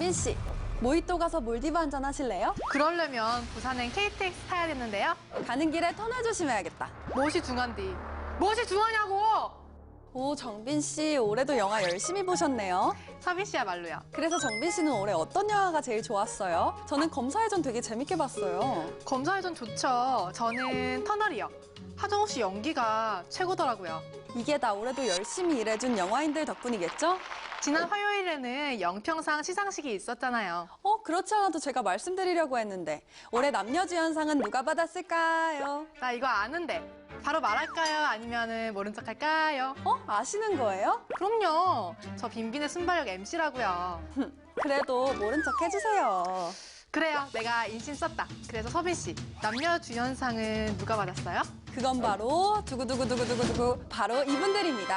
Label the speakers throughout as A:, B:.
A: 정빈 씨, 모히또 가서 몰디브 한잔 하실래요?
B: 그러려면 부산행 KTX 타야겠는데요?
A: 가는 길에 터널 조심해야겠다.
B: 무엇이 중한디? 무엇이 중하냐고!
A: 오, 정빈 씨, 올해도 영화 열심히 보셨네요.
B: 서빈 씨야 말로요.
A: 그래서 정빈 씨는 올해 어떤 영화가 제일 좋았어요? 저는 검사의 전 되게 재밌게 봤어요.
B: 검사의 전 좋죠. 저는 터널이요. 하정우 씨 연기가 최고더라고요.
A: 이게 다 올해도 열심히 일해준 영화인들 덕분이겠죠?
B: 지난 화요일에는 영평상 시상식이 있었잖아요.
A: 그렇지 않아도 제가 말씀드리려고 했는데 올해 남녀주연상은 누가 받았을까요?
B: 나 이거 아는데 바로 말할까요? 아니면 모른 척 할까요?
A: 아시는 거예요?
B: 그럼요. 저 빈빈의 순발력 MC라고요.
A: 그래도 모른 척 해주세요.
B: 그래요. 내가 인신 썼다. 그래서 서빈 씨, 남녀주연상은 누가 받았어요?
A: 그건 바로 두구두구두구두구두구 바로 이분들입니다.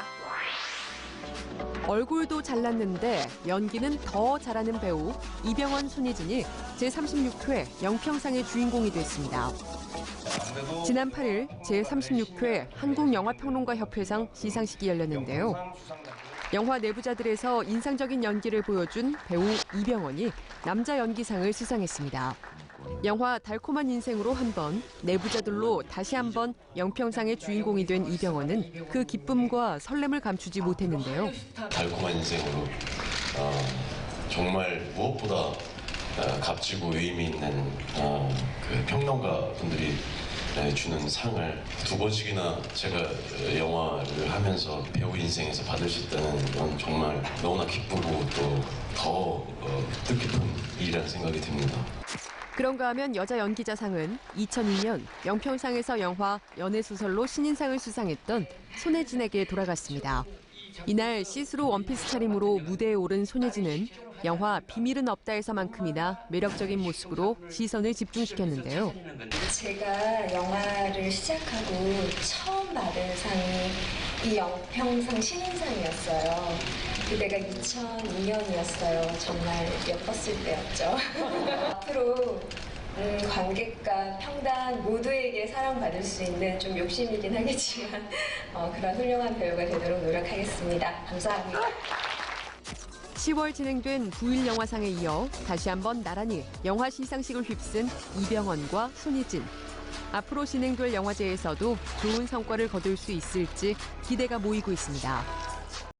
C: 얼굴도 잘났는데 연기는 더 잘하는 배우 이병헌, 손예진이 제36회 영평상의 주인공이 됐습니다. 지난 8일 제36회 한국영화평론가협회상 시상식이 열렸는데요. 영화 내부자들에서 인상적인 연기를 보여준 배우 이병헌이 남자 연기상을 수상했습니다. 영화 달콤한 인생으로 한 번, 내부자들로 다시 한 번 영평상의 주인공이 된 이병헌은 그 기쁨과 설렘을 감추지 못했는데요.
D: 달콤한 인생으로 정말 무엇보다 값지고 의미 있는 그 평론가 분들이 주는 상을 두 번씩이나 제가 영화를 하면서 배우 인생에서 받을 수 있다는 건 정말 너무나 기쁘고 또 더 뜻깊은 일이라는 생각이 듭니다.
C: 그런가 하면 여자 연기자상은 2002년 영평상에서 영화 연애소설로 신인상을 수상했던 손예진에게 돌아갔습니다. 이날 시스루 원피스 차림으로 무대에 오른 손예진은 영화 비밀은 없다에서만큼이나 매력적인 모습으로 시선을 집중시켰는데요.
E: 제가 영화를 시작하고 처음 받은 상이 이 영평상 신인상이었어요. 그때가 2002년이었어요. 정말 예뻤을 때였죠. 앞으로 관객과 평단 모두에게 사랑받을 수 있는 좀 욕심이긴 하겠지만 그런 훌륭한 배우가 되도록 노력하겠습니다. 감사합니다.
C: 10월 진행된 부일 영화상에 이어 다시 한번 나란히 영화 시상식을 휩쓴 이병헌과 손예진. 앞으로 진행될 영화제에서도 좋은 성과를 거둘 수 있을지 기대가 모이고 있습니다.